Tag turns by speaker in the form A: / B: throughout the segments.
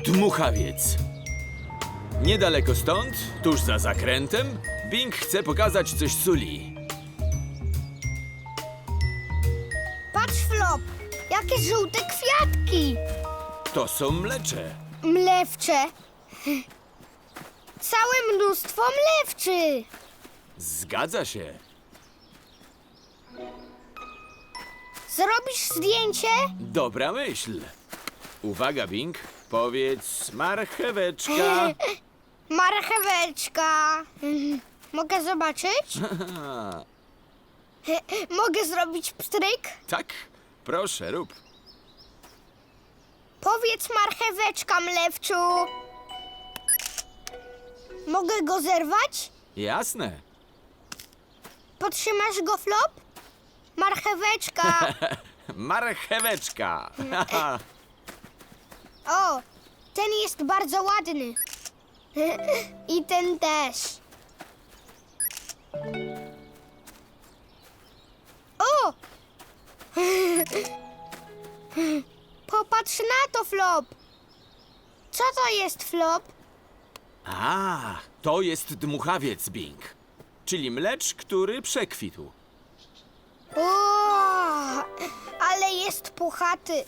A: Dmuchawiec. Niedaleko stąd, tuż za zakrętem, Bing chce pokazać coś Suli.
B: Patrz, Flop, jakie żółte kwiatki.
A: To są mlecze.
B: Mlewcze. Całe mnóstwo mlewczy.
A: Zgadza się.
B: Zrobisz zdjęcie?
A: Dobra myśl. Uwaga, Bing. Powiedz marcheweczka.
B: Marcheweczka. Mogę zobaczyć? Mogę zrobić pstryk?
A: Tak? Proszę, rób.
B: Powiedz marcheweczka, mlewczu. Mogę go zerwać?
A: Jasne.
B: Podtrzymasz go, Flop? Marcheweczka.
A: Marcheweczka.
B: O, ten jest bardzo ładny. I ten też. O! Popatrz na to, Flop. Co to jest, Flop?
A: A, to jest dmuchawiec, Bing. Czyli mlecz, który przekwitł.
B: O, ale jest puchaty.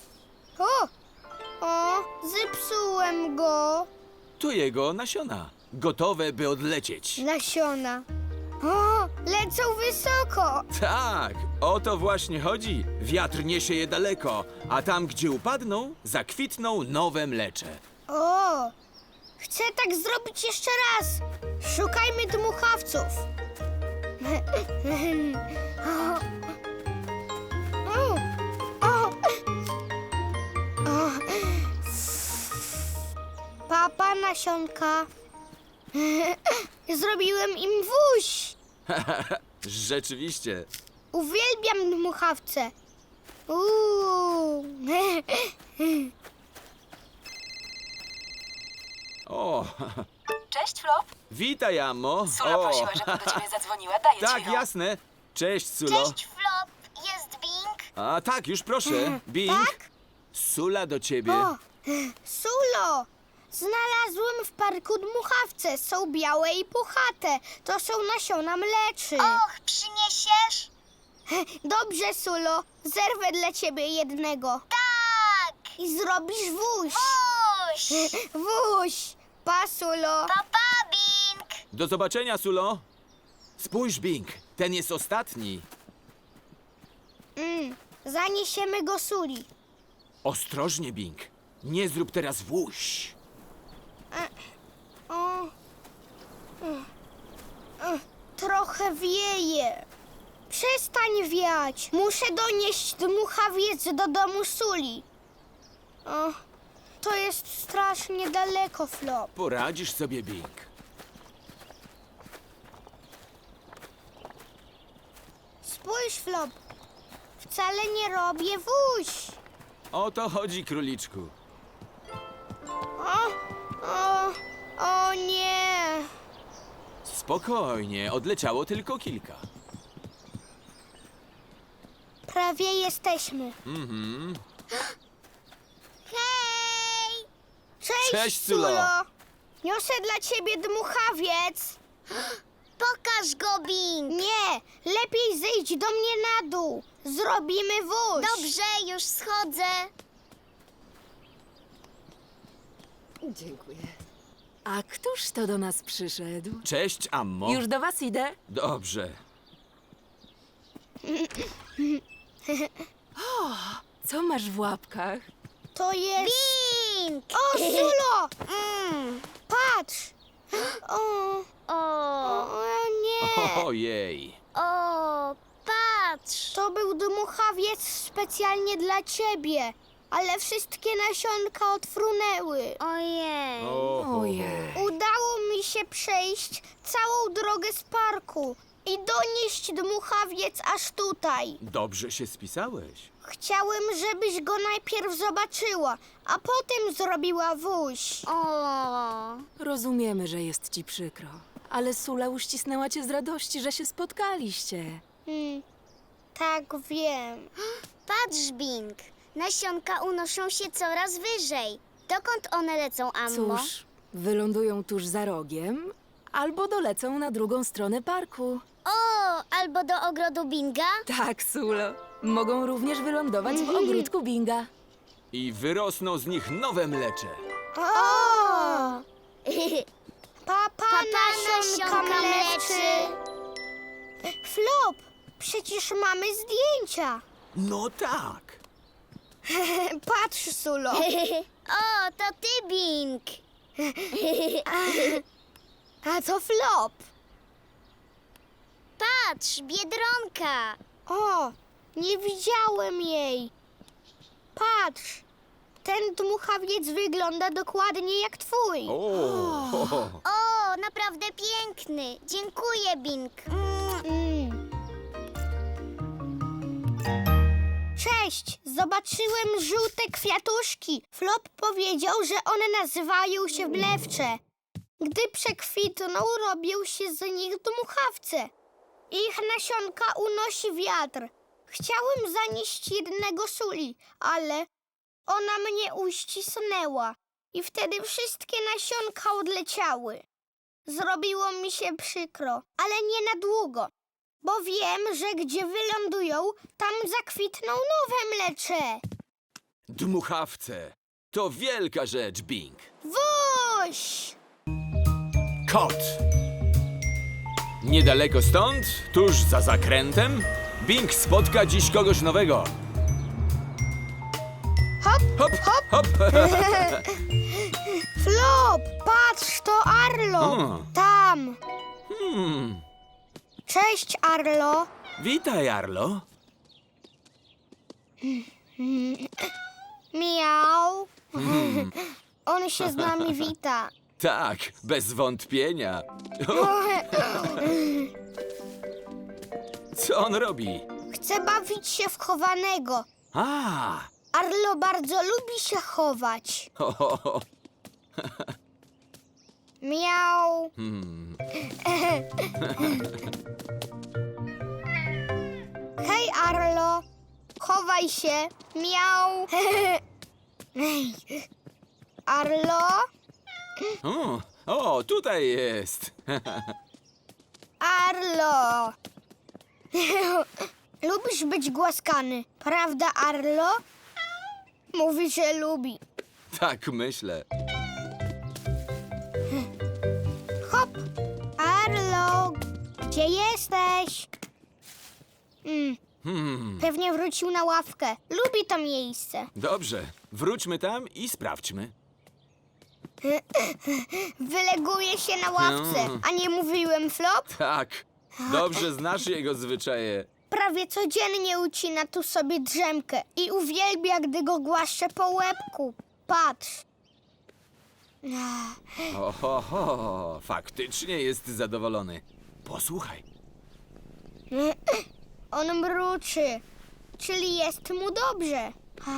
B: O, zepsułem go.
A: To jego nasiona. Gotowe, by odlecieć.
B: Nasiona. O, lecą wysoko.
A: Tak, o to właśnie chodzi. Wiatr niesie je daleko, a tam, gdzie upadną, zakwitną nowe mlecze.
B: O, chcę tak zrobić jeszcze raz. Szukajmy dmuchawców. O, o, o. Papa, nasionka. Zrobiłem im wóź.
A: Rzeczywiście.
B: Uwielbiam dmuchawce. Uuu.
A: O,
C: Cześć, Flop.
A: witaj, Amo.
C: Sula prosiła, żebym do ciebie zadzwoniła. Daję
A: Tak,
C: ci ją.
A: jasne. Cześć, Sulo.
B: Flop. Jest Bing?
A: A tak, już proszę. Bing.
B: Tak?
A: Sula do ciebie.
B: O, Sulo! Znalazłem w parku dmuchawce. Są białe i puchate. To są nasiona mleczy.
D: Och, przyniesiesz?
B: Dobrze, Sulo. Zerwę dla ciebie jednego.
D: Tak!
B: I zrobisz wóź.
D: Puść!
B: Wóź. Pa, Sulo.
D: Papa, Bing!
A: Do zobaczenia, Sulo. Spójrz, Bing. Ten jest ostatni.
B: Zaniesiemy go Suli.
A: Ostrożnie, Bing. Nie zrób teraz wóź.
B: O. Trochę wieje. Przestań wiać. Muszę donieść dmuchawiec do domu Suli. O, to jest strasznie daleko, Flop.
A: Poradzisz sobie, Bing.
B: Spójrz, Flop. Wcale nie robię wóź.
A: O to chodzi, króliczku.
B: O nie.
A: Spokojnie, odleciało tylko kilka.
B: Prawie jesteśmy.
D: Hej!
B: Cześć,
A: Sulo.
B: Niosę dla ciebie dmuchawiec.
D: Pokaż go, Bing!
B: Nie, lepiej zejdź do mnie na dół. Zrobimy wóź.
D: Dobrze, już schodzę.
C: Dziękuję. A któż to do nas przyszedł?
A: Cześć, Ammo.
C: Już do was idę.
A: Dobrze.
C: Co masz w łapkach?
B: To jest...
D: Bing!
B: O, Sulo! Patrz! O nie!
A: Ojej.
D: O, patrz!
B: To był dmuchawiec specjalnie dla ciebie, ale wszystkie nasionka odfrunęły.
D: Ojej.
C: Ojej.
B: Udało mi się przejść całą drogę z parku i donieść dmuchawiec aż tutaj.
A: Dobrze się spisałeś.
B: Chciałem, żebyś go najpierw zobaczyła, a potem zrobiła wóź.
D: O,
C: Rozumiemy, że jest ci przykro. Ale Sula uścisnęła cię z radości, że się spotkaliście.
B: Tak, wiem.
D: patrz, Bing. Nasionka unoszą się coraz wyżej. Dokąd one lecą, Ammo?
C: Cóż, wylądują tuż za rogiem, albo dolecą na drugą stronę parku.
D: O, albo do ogrodu Binga?
C: Tak, Sulo. Mogą również wylądować w ogródku Binga.
A: I wyrosną z nich nowe mlecze.
B: O! Papa,
D: Papa
B: nasionka
D: nasionka
B: mleczy. Flop, przecież mamy zdjęcia.
A: No tak.
B: Patrz, Sulo.
D: O, to ty, Bing.
B: A to Flop.
D: Patrz, Biedronka.
B: O, nie widziałem jej. Patrz, ten dmuchawiec wygląda dokładnie jak twój.
D: O, naprawdę piękny. Dziękuję, Bing.
B: Mm. Cześć, zobaczyłem żółte kwiatuszki. Flop powiedział, że one nazywają się mlewcze. Gdy przekwitną, robią się z nich dmuchawce. Ich nasionka unosi wiatr. Chciałem zanieść jednego Suli, ale ona mnie uścisnęła i wtedy wszystkie nasionka odleciały. Zrobiło mi się przykro, ale nie na długo, bo wiem, że gdzie wylądują, tam zakwitną nowe mlecze.
A: Dmuchawce. To wielka rzecz, Bing.
B: Woś!
A: Kot. Niedaleko stąd, tuż za zakrętem, Bing spotka dziś kogoś nowego.
B: Hop,
A: Hop,
B: hop!
A: hop.
B: Flop, patrz, to Arlo. Tam. Cześć, Arlo.
A: Witaj, Arlo.
B: Miau. On się z nami wita.
A: Tak, bez wątpienia. Co on robi?
B: Chce bawić się w chowanego.
A: A,
B: Arlo bardzo lubi się chować.
A: ho, ho, ho.
B: Miau. Hej, Arlo. Chowaj się. Miau. Arlo?
A: O, tutaj jest.
B: Arlo. Lubisz być głaskany, prawda, Arlo? Mówi, że lubi.
A: Tak myślę.
B: Hop! Arlo, gdzie jesteś? Pewnie wrócił na ławkę. Lubi to miejsce.
A: Dobrze, wróćmy tam i sprawdźmy.
B: Wyleguje się na ławce. A nie mówiłem, Flop?
A: Tak, dobrze znasz jego zwyczaje.
B: Prawie codziennie ucina tu sobie drzemkę i uwielbia, gdy go głaszczę po łebku. Patrz.
A: Oho, faktycznie jest zadowolony. Posłuchaj.
B: On mruczy, czyli jest mu dobrze.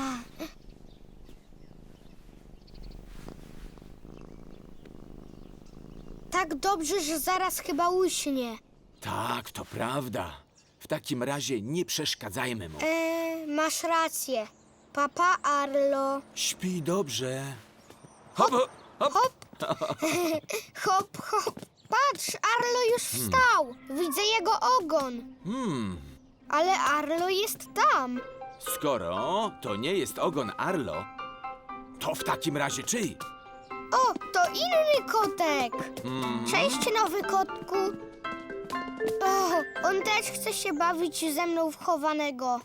B: Tak dobrze, że zaraz chyba uśnie.
A: Tak, to prawda. W takim razie nie przeszkadzajmy mu.
B: Masz rację. Papa Arlo.
A: Śpi dobrze. Hop, hop, hop.
B: Hop. Hop, hop. Patrz, Arlo już wstał. Widzę jego ogon. Ale Arlo jest tam.
A: Skoro to nie jest ogon Arlo, to w takim razie czyj?
B: O, to inny kotek. Cześć, nowy kotku. O, on też chce się bawić ze mną w chowanego.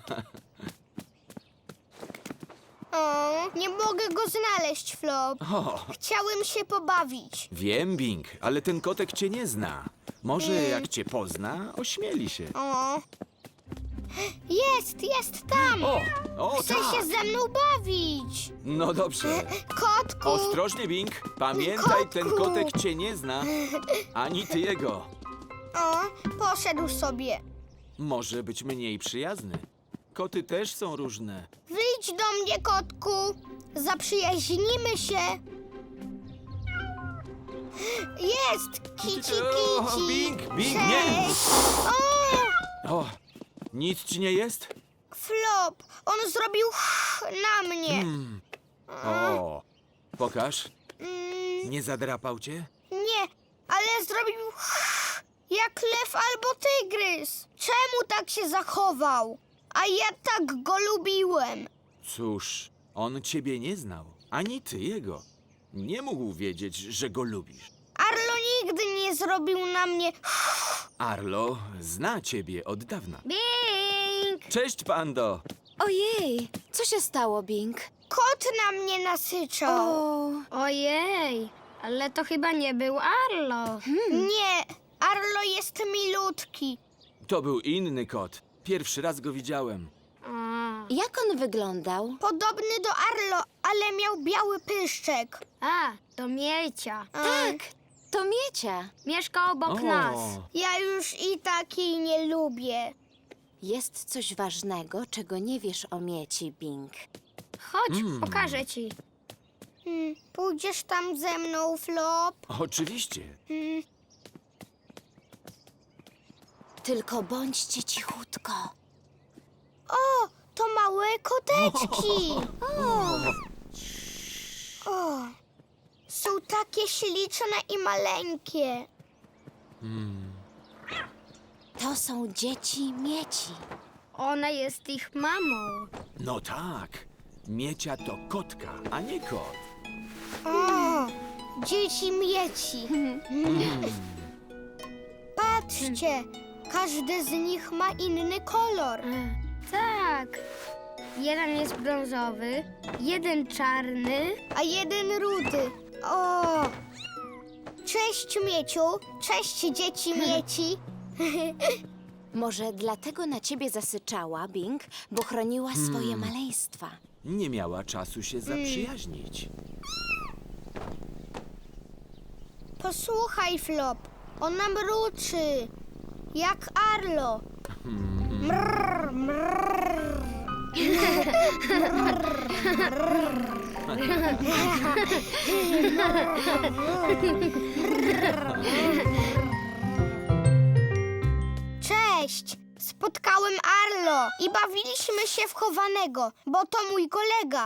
B: O, nie mogę go znaleźć, Flop.
A: O,
B: Chciałem się pobawić.
A: wiem, Bing, ale ten kotek cię nie zna. Może jak cię pozna, ośmieli się.
B: O. Jest tam.
A: O,
B: Chce
A: tak.
B: się ze mną bawić.
A: No dobrze.
B: Kotku.
A: Ostrożnie, Bing. Pamiętaj,
B: Kotku.
A: ten kotek cię nie zna, ani ty jego.
B: O, poszedł sobie.
A: Może być mniej przyjazny. Koty też są różne.
B: Wyjdź do mnie, kotku. Zaprzyjaźnimy się. Jest! Kici,
A: O,
B: kici.
A: Bing, Bing, nie.
B: Cześć. O,
A: O, nic ci nie jest?
B: Flop, on zrobił na mnie.
A: O, Pokaż. Nie zadrapał cię?
B: Nie, ale zrobił jak lew albo tygrys. Czemu tak się zachował? A ja tak go lubiłem.
A: Cóż, on ciebie nie znał, ani ty jego. Nie mógł wiedzieć, że go lubisz.
B: Arlo nigdy nie zrobił na mnie.
A: Arlo zna ciebie od dawna.
D: Bing!
A: Cześć, Pando!
C: Ojej, co się stało, Bing?
B: Kot na mnie nasyczał.
C: O,
B: Ojej, ale to chyba nie był Arlo. Nie, Arlo jest milutki.
A: To był inny kot. Pierwszy raz go widziałem.
C: jak on wyglądał?
B: Podobny do Arlo, ale miał biały pyszczek.
E: A, to Miecia.
C: Tak, to Miecia.
E: Mieszka obok nas.
B: Ja już i takiej nie lubię.
C: Jest coś ważnego, czego nie wiesz o Mieci, Bing.
E: Chodź, pokażę ci.
B: Pójdziesz tam ze mną, Flop?
A: Oczywiście.
C: Tylko bądźcie cichutko.
B: O, to małe koteczki. O, są takie śliczne i maleńkie.
C: To są dzieci Mieci.
E: Ona jest ich mamą.
A: No tak. Miecia to kotka, a nie kot.
B: O, dzieci mieci. Patrzcie, każdy z nich ma inny kolor.
E: Tak. Jeden jest brązowy, jeden czarny.
B: A jeden rudy. O! Cześć, Mieciu. Cześć, dzieci Mieci.
C: Może dlatego na ciebie zasyczała, Bing, bo chroniła swoje maleństwa.
A: Nie miała czasu się zaprzyjaźnić.
B: Posłuchaj, Flop. Ona mruczy. Jak Arlo. Mrr, mrr. Cześć! Spotkałem Arlo i bawiliśmy się w chowanego, bo to mój kolega.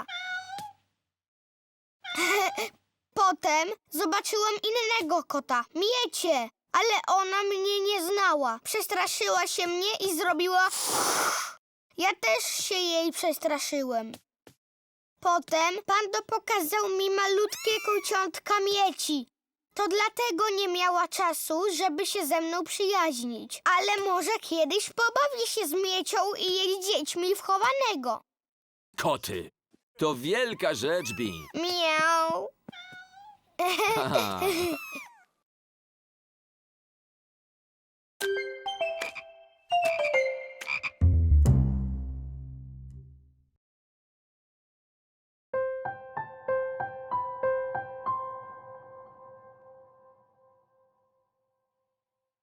B: Potem zobaczyłem innego kota, Miecię, ale ona mnie nie znała. Przestraszyła się mnie i zrobiła... Ja też się jej przestraszyłem. Potem Pando pokazał mi malutkie kociątka Mieci. To dlatego nie miała czasu, żeby się ze mną przyjaźnić. Ale może kiedyś pobawi się z Miecią i jej dziećmi w chowanego.
A: Koty. To wielka rzecz, Bing.
B: Miau.
A: Haha.